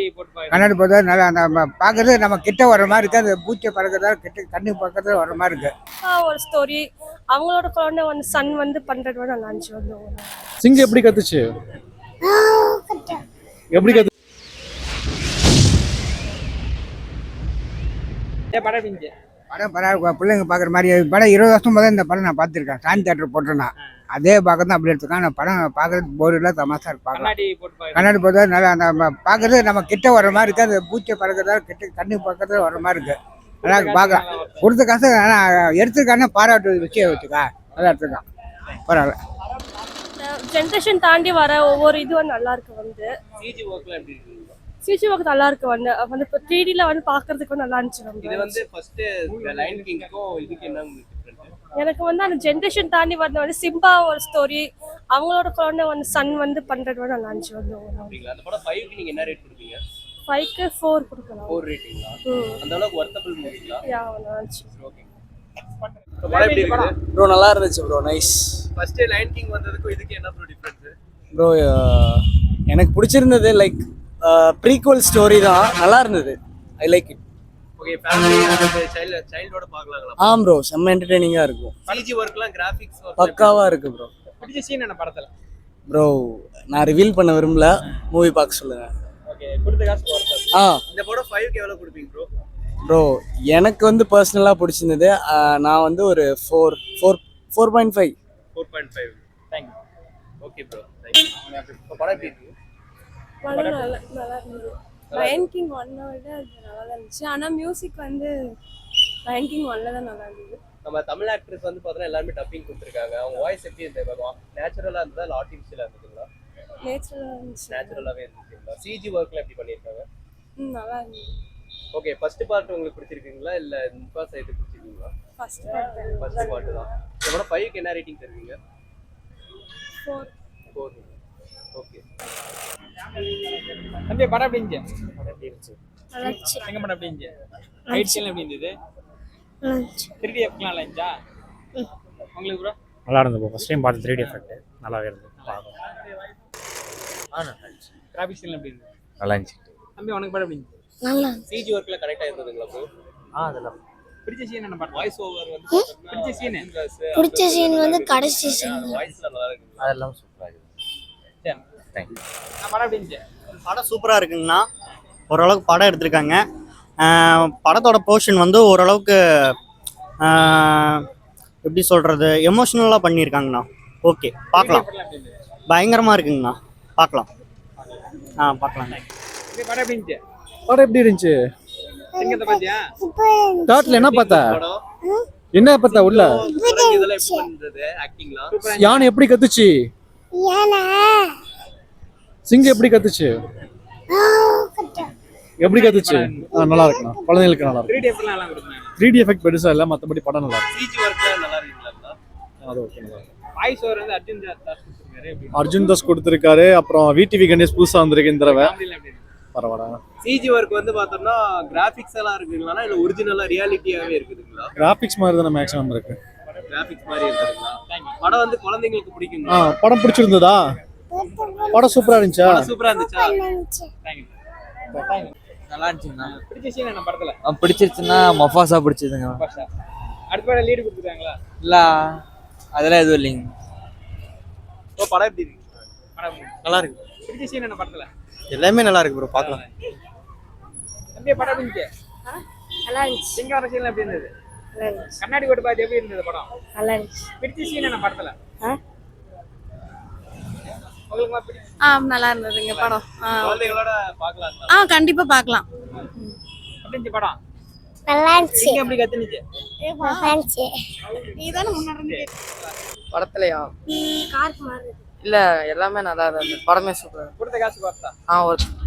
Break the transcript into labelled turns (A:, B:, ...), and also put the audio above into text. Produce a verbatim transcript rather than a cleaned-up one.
A: கண்ணாடி போட்டா நல்லா அந்த பார்க்கறது நம்ம கிட்ட வர மாதிரி இருக்கு. அந்த பூச்சை பறக்கிறதா கிட்ட கண்ணி பக்கத்துல வர மாதிரி இருக்கு.
B: ஒரு ஸ்டோரி அவங்களோட குழந்தை வந்து சன் வந்து பண்றது வந்து நல்லா இருந்துச்சு. வந்து
C: சிங்கம் எப்படி கத்துச்சு? எப்படி கத்து
A: படம் படம் பிள்ளைங்க பார்க்குற மாதிரி படம் இருபது வருஷம் போது இந்த படம் நான் பார்த்துருக்கேன். சாந்தி தேட்டர் போட்டேன்னா அதே பார்க்க தான் அப்படி எடுத்துருக்கேன். அந்த படம் பார்க்கறது போர் இல்லை, தமாசா இருக்கு. பார்க்கலாம் கண்ணாடி போட்டா நல்லா அந்த பார்க்கறது நம்ம கிட்ட வர மாதிரி இருக்கு. அந்த பூச்சை பறக்கிறதா கிட்ட கண்ணி பக்கத்துல வர மாதிரி இருக்கு. நல்லா இருக்கு பார்க்கலாம். கொடுத்த காசு ஆனால் எடுத்துருக்கானே பாராட்டு விஷயம் வச்சுக்கா நல்லா எடுத்துருக்கான். பரவாயில்ல.
B: ஜென்ரேஷன் தாண்டி வர ஒவ்வொரு இதுவும் நல்லா இருக்கு. வந்து சிஜி ஒர்க் நல்லா இருக்கு. வந்து வந்து இப்போ த்ரீ டில வந்து பார்க்கறதுக்கு நல்லா இருந்துச்சு.
D: இது வந்து ஃபர்ஸ்ட் லைன் கிங்க்கும் இதுக்கு என்ன டிஃபரன்ஸ்?
B: எனக்கு வந்து அந்த ஜென்ரேஷன் தாண்டி வந்த வந்து சிம்பா ஒரு ஸ்டோரி அவங்களோட குழந்தை வந்து சன் வந்து பண்றது வந்து நல்லா இருந்துச்சு. வந்து
D: அந்த படம் ஃபைவ் க்கு நீங்க என்ன ரேட் கொடுப்பீங்க?
B: ஃபைவ் க்கு ஃபோர் கொடுக்கலாம்.
D: ஃபோர் ரேட்டிங்களா? அந்த அளவுக்கு வர்த்தபிள் மூவிங்களா?
B: யா நல்லா இருந்துச்சு.
D: ஓகே. படம் எப்படி இருக்கு
E: ப்ரோ? நல்லா இருந்துச்சு bro, nice.
D: First line king வந்ததுக்கு இதுக்கு என்ன ப்ரோ டிஃபரன்ஸ்?
E: ப்ரோ எனக்கு பிடிச்சிருந்தது லைக் ப்ரீக்வல் ஸ்டோரி தான், நல்லா இருந்தது. I like it.
D: Okay. Family and child சைல்டோட பார்க்கலாங்களா?
E: ஆ ப்ரோ, செம்ம என்டர்டெய்னிங்கா இருக்கும்.
D: சிஜி வர்க்லாம் கிராபிக்ஸ்
E: பக்காவா இருக்கு ப்ரோ.
D: பிடிச்ச சீன் என்ன படத்துல?
E: ப்ரோ நான் ரிவீல் பண்ண விரும்பல, மூவி பார்க்க சொல்லுங்க.
D: ஓகே. கொடுத்த காசு வர்த்தா?
E: ஆ.
D: இந்த படம் ஃபைவ் க்கு எவ்வளவு கொடுப்பீங்க ப்ரோ?
E: ப்ரோ எனக்கு வந்து பர்சனலாக பிடிச்சிருந்தது. நான் வந்து ஒரு four four four point five
D: four point five. Thank you. Okay bro, thank you. இப்போ படம் எப்படி இருக்கு?
B: படம் நல்லா நல்லா இருந்தது. லயன் கிங் ஒன்னை விட அது நல்லா தான் இருந்துச்சு. ஆனால் மியூசிக் வந்து லயன் கிங் ஒன்ல தான் நல்லா இருந்தது.
D: நம்ம தமிழ் ஆக்ட்ரஸ் வந்து பார்த்தோன்னா எல்லாருமே டப்பிங் கொடுத்துருக்காங்க. அவங்க வாய்ஸ் எப்படி இருந்தது? நேச்சுரலாக இருந்ததா இல்லை ஆர்டிஃபிஷியலாக இருந்ததுங்களா?
B: நேச்சுரலாக இருந்துச்சு.
D: நேச்சுரலாகவே இருந்துச்சுங்களா? சிஜி ஒர்க்ல எப்படி பண்ணியிருக்காங்க?
B: ம் நல்லா இருந்தது.
D: ஓகே. ஃபர்ஸ்ட் பார்ட் உங்களுக்கு பிடிச்சிருக்குங்களா இல்லை முப்பா சைடு பிடிச்சிருக்கீங்களா?
B: ஃபர்ஸ்ட் பார்ட்
D: ஃபர்ஸ்ட் பார்ட் தான். இதோட ஃபைவ் க்கு என்ன ரேட்டிங் தருவீங்க?
B: Four
D: four. ஓகே.
F: தம்பி படம் எப்படி இருந்துச்சு?
D: எப்படி இருந்துச்சு?
B: நல்லா இருந்துச்சு.
F: எங்க படம் எப்படி இருந்துச்சு? ரைட் சைடுல எப்படி இருந்தது?
B: நல்லா இருந்துச்சு.
F: த்ரீ டி எஃப்லாம் நல்லா இருந்துச்சா உங்களுக்கு ப்ரோ?
G: நல்லா இருந்தது ப்ரோ. ஃபர்ஸ்ட் டைம் பார்த்து த்ரீ டி எஃபெக்ட் நல்லாவே இருந்தது.
F: ஆ நல்லா இருந்துச்சு. கிராபிக்ஸ் எல்லாம் எப்படி இருந்தது?
G: நல்லா இருந்துச்சு.
F: தம்பி உனக்கு படம் எப்படி இருந்துச்சு?
B: நல்லா
D: சிஜி ஒர்க்ல கரெக்டா இருந்ததுங்களா ப்ரோ?
G: ஆ அதெல்லாம்
F: பிடிச்ச சீன் என்ன படம்?
D: வாய்ஸ் ஓவர் வந்து
F: பிடிச்ச சீன்
B: பிடிச்ச சீன் வந்து கடைசி சீன்.
D: வாய்ஸ்ல நல்லா இருக்கு.
G: அதெல்லாம் சூப்பராக இருக்குது.
F: சரி.
G: தேங்க்யூ.
F: படம் எப்படி இருந்துச்சு?
H: படம் சூப்பராக இருக்குங்கண்ணா. ஓரளவுக்கு படம் எடுத்திருக்காங்க. படத்தோட போர்ஷன் வந்து ஓரளவுக்கு எப்படி சொல்கிறது, எமோஷ்னலாக பண்ணியிருக்காங்கண்ணா. ஓகே, பார்க்கலாம். பயங்கரமாக இருக்குங்கண்ணா, பார்க்கலாம். ஆ பார்க்கலாம்.
F: படம் எப்படி இருந்துச்சு?
C: படம் எப்படி இருந்துச்சு?
F: சிங்கத்தை பாத்தியா?
C: தாட்ல என்ன பார்த்தா? என்ன பார்த்தா உள்ள?
D: இதெல்லாம் எப்படி பண்றது ஆக்டிங்லாம்?
C: யானை எப்படி கத்துச்சு? சிங்கம் எப்படி கத்துச்சு? எப்படி கத்துச்சு? நல்லா இருக்குண்ணா, குழந்தைங்களுக்கு நல்லா
F: த்ரீ
C: இருக்கு.
F: டி எஃப்லாம் நல்லா கொடுத்தாங்க.
C: த்ரீ டி எஃபெக்ட் பெருசா இல்லை, மற்றபடி படம் நல்லா இருக்கு.
D: சிஜி ஒர்க்ல நல்லா இருக்குங்களா?
C: அது ஓகே, நல்லா இருக்கு.
F: வாய்ஸ் ஓவர் வந்து அர்ஜுன் தாஸ் கொடுத்திருக்காரு. எப்படி
C: அர்ஜுன் தாஸ் கொடுத்துருக்காரு. அப்புறம் விடிவி கணேஷ் புதுசா வந்திருக்கு இந்த தடவை.
F: ஃபேமிலில எப்படி இருக்கு?
C: பரவாயில்ல.
D: சிஜி ஒர்க் வந்து பார்த்தோம்னா கிராபிக்ஸ் எல்லாம் இருக்குங்களா இல்ல ஒரிஜினலா ரியாலிட்டியாவே இருக்குதுங்களா?
C: கிராபிக்ஸ் மாதிரி தானே மேக்ஸிமம் இருக்கு.
D: கிராபிக்ஸ் மாதிரி இருக்குங்களா? படம் வந்து குழந்தைங்களுக்கு
C: ஆ
D: பிடிக்குங்களா?
C: படம் பிடிச்சிருந்ததா? படம் சூப்பரா இருந்துச்சா?
D: சூப்பரா இருந்துச்சா?
F: தேங்க்யூ.
I: நல்லா இருந்துச்சுங்கண்ணா.
F: பிடிச்ச சீன் என்ன படத்துல?
I: பிடிச்சிருச்சுன்னா மொஃபாசா பிடிச்சதுங்க.
F: பாஷா அடுத்த படம் லீடு கொடுத்துருக்காங்களா?
I: இல்ல அதெல்லாம் எதுவும் இல்லைங்க.
D: இப்போ படம் எப்படி இருக்கு?
F: படம்
H: நல்லா இருக்கு.
F: பிடிச்ச சீன் என்ன படத்துல?
H: எல்லாமே நல்லா இருக்கு ப்ரோ, பார்க்கலாம்.
F: தம்பி படம் எப்படி இருந்துச்சு?
B: நல்லா இருந்துச்சு.
F: சிங்கம் வர சீன் எப்படி இருந்தது?
B: நல்லா இருந்துச்சு.
F: கண்ணாடி போட்டு பார்த்து எப்படி இருந்தது படம்?
B: நல்லா இருந்துச்சு.
F: பிடிச்ச சீன் என்ன படத்துல? உங்களுக்கு பிடிச்ச
B: ஆ நல்லா இருந்ததுங்க படம்.
D: குழந்தைகளோட பார்க்கலாங்களா?
B: ஆ கண்டிப்பா பார்க்கலாம்.
F: எப்படி இருந்துச்சு படம்?
B: நல்லா இருந்துச்சு.
F: சிங்கம் எப்படி கத்துனுச்சு?
B: நல்லா இருந்துச்சு. நீ தான முன்னாடி
I: படத்துலயா?
B: கார் மாறுது.
I: இல்ல எல்லாமே நல்லா இருந்தது. படமே சூப்பர்.
F: கொடுத்த காசு பார்த்தா?
I: ஆ ஒரு